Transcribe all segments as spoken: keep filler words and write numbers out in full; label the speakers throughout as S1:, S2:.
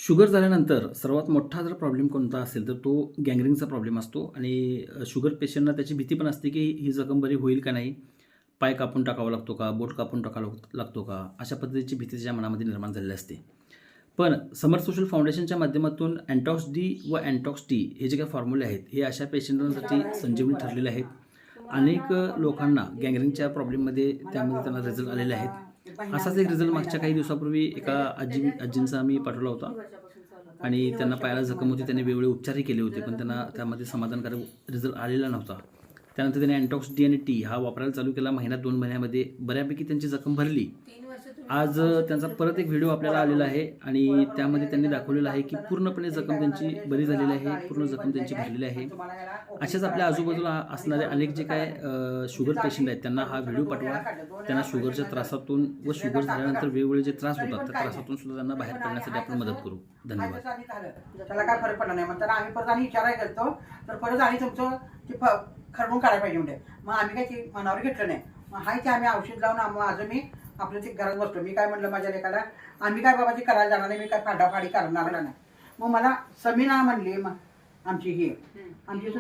S1: Sugar झाल्यानंतर सर्वात मोठा जर प्रॉब्लेम कोणता असेल तर तो गँग्रीनचा प्रॉब्लेम असतो आणि शुगर पेशंटना त्याची भीती पण असते की ही जखम बरी होईल का नाही, पाय कापून टाकावा लागतो का, बोट कापून टाकावा लागतो का, अशा पद्धतीची भीती त्याच्या मनामध्ये निर्माण झालेली असते. पण समर्थ सोशल फाउंडेशनच्या माध्यमातून अँटॉक्स डी व अँटॉक्स टी हे जे काही फॉर्म्युले आहेत हे अशा पेशंटांसाठी संजीवनी ठरलेले आहेत. अनेक लोकांना गँग्रीनच्या प्रॉब्लेममध्ये त्यामध्ये त्यांना रिझल्ट आलेले आहेत. असाच एक रिझल्ट मागच्या काही दिवसापूर्वी एका आजी आजींचा आम्ही पाठवला होता आणि त्यांना पायाला जखम होती. त्यांनी वेगवेगळे उपचारही केले होते पण त्यांना त्यामध्ये समाधानकारक रिझल्ट आलेला नव्हता. त्यानंतर त्यांनी अँटॉक्स डी आणि टी हा वापरायला चालू केला. महिन्यात दोन महिन्यामध्ये बऱ्यापैकी त्यांची जखम भरली. आज त्यांचा परत एक व्हिडिओ आपल्याला आलेला आहे आणि त्यामध्ये त्यांनी दाखवलेलं आहे की पूर्णपणे जखम त्यांची बरी झालेली आहे, पूर्ण जखम त्यांची भरलेली आहे. अशाच आपल्या आजूबाजूला असणारे अनेक जे काय शुगर पेशंट आहेत त्यांना हा व्हिडिओ पाठवा. त्यांना शुगरच्या त्रासातून व शुगर झाल्यानंतर वेगवेगळे जे त्रास होतात त्या त्रासातून सुद्धा त्यांना बाहेर पडण्यासाठी आपण मदत करू. धन्यवाद.
S2: त्याला काय फरक पडला नाही म्हणतात आम्ही परत आणि विचारायला गेलो तर परत आणि तुमचं ते खरडून काढायला पाहिजे म्हणजे मग आम्ही काय ते मनावर घेतलं नाही. मग हाय ते आम्ही औषध लावून माझं मी आपलं ते घरात बसतो. मी काय म्हटलं माझ्या लेकाला आम्ही काय बाबा ते करायला जाणार नाही, मी काय फाडाफाडी करणार नाही. मग मला समीना म्हणली मग आमची ही आमची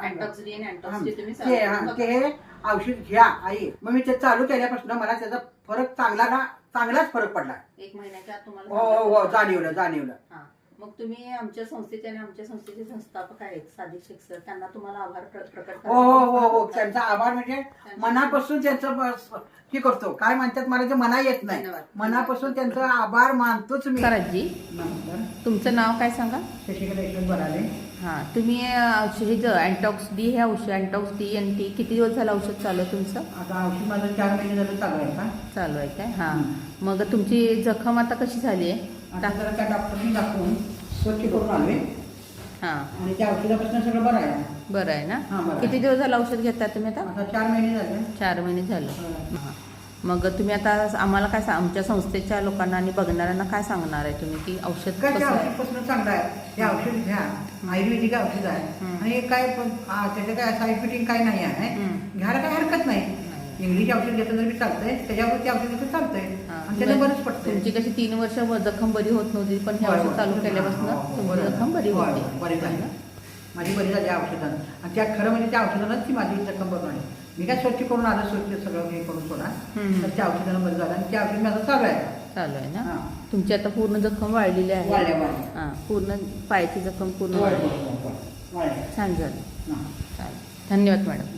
S2: ते औषध घ्या आई. मग मी ते चालू केल्यापासून मला त्याचा फरक चांगला चांगलाच फरक पडला.
S3: एक महिन्याच्या आत तुम्हाला
S2: हो हो जाणीवलं जाणीवलं.
S3: मग तुम्ही आमच्या संस्थेचे आणि आमच्या संस्थेचे संस्थापक आहेत सादिक शेख सर, त्यांना तुम्हाला आभार प्रकट
S2: हो हो हो हो त्यांचा आभार म्हणजे मनापासून त्यांचं हे करतो. काय म्हणतात मला ते मना येत नाही, मनापासून त्यांचा आभार मानतोच मी.
S3: सराजी तुमचं नाव काय सांगा?
S2: शशिकला यशवंत बनाले.
S3: हां, तुम्ही औषध अँटॉक्स डी हे औषध अँटॉक्स डी एन टी किती दिवस झालं औषध चालू आहे तुमचं?
S2: आता औषध माझं चार महिने झालं चालू आहे का?
S3: चालू आहे काय? हां, मग तुमची जखम आता कशी झाली आहे?
S2: आता जरा त्या डॉक्टरनी दाखवून स्वच्छ करून आले.
S3: हां,
S2: आणि त्या औषधापासून सगळं बरं आहे.
S3: बरं आहे ना?
S2: हां, बरं.
S3: किती दिवस झालं औषध घेता तुम्ही आता?
S2: आता चार महिने झाले.
S3: चार महिने झालं. हां, मग तुम्ही आता आम्हाला काय सांग आमच्या संस्थेच्या लोकांना आणि बघणाऱ्यांना काय सांगणार आहे तुम्ही की औषध
S2: काय
S3: कसं आहे?
S2: औषधपासून चांगलं आहे. हे औषध घ्या, आयुर्वेदिक औषध आहे आणि काय पण त्याचं काय साईड फिटिंग काय नाही आहे. घ्यायला काय हरकत नाही. इंग्लिश औषध घेतलं तरी चालतंय, त्याच्यावर ते औषध घेतलं चालतंय आणि त्याला बरंच पडतं.
S3: तुमची कशी तीन वर्ष जखम बरी होत नव्हती पण हे औषध चालू केल्यापासून तुमची जखम बरी होते.
S2: बरी झाली माझी, बरी झाली औषधानं. आणि त्या खरं म्हणजे त्या औषधानंच ती माझी जखम बघणार. मी काय स्वच्छ करून आलं, स्वच्छ सगळं हे करून सोडा तर त्या औषधानं बरं झालं आणि त्या औषध माझं चालू आहे.
S3: चालू आहे ना? तुमची आता पूर्ण जखम वाढलेली आहे. हां, पूर्ण पायाची जखम पूर्ण वाढली. छान झाली. चालेल, धन्यवाद मॅडम.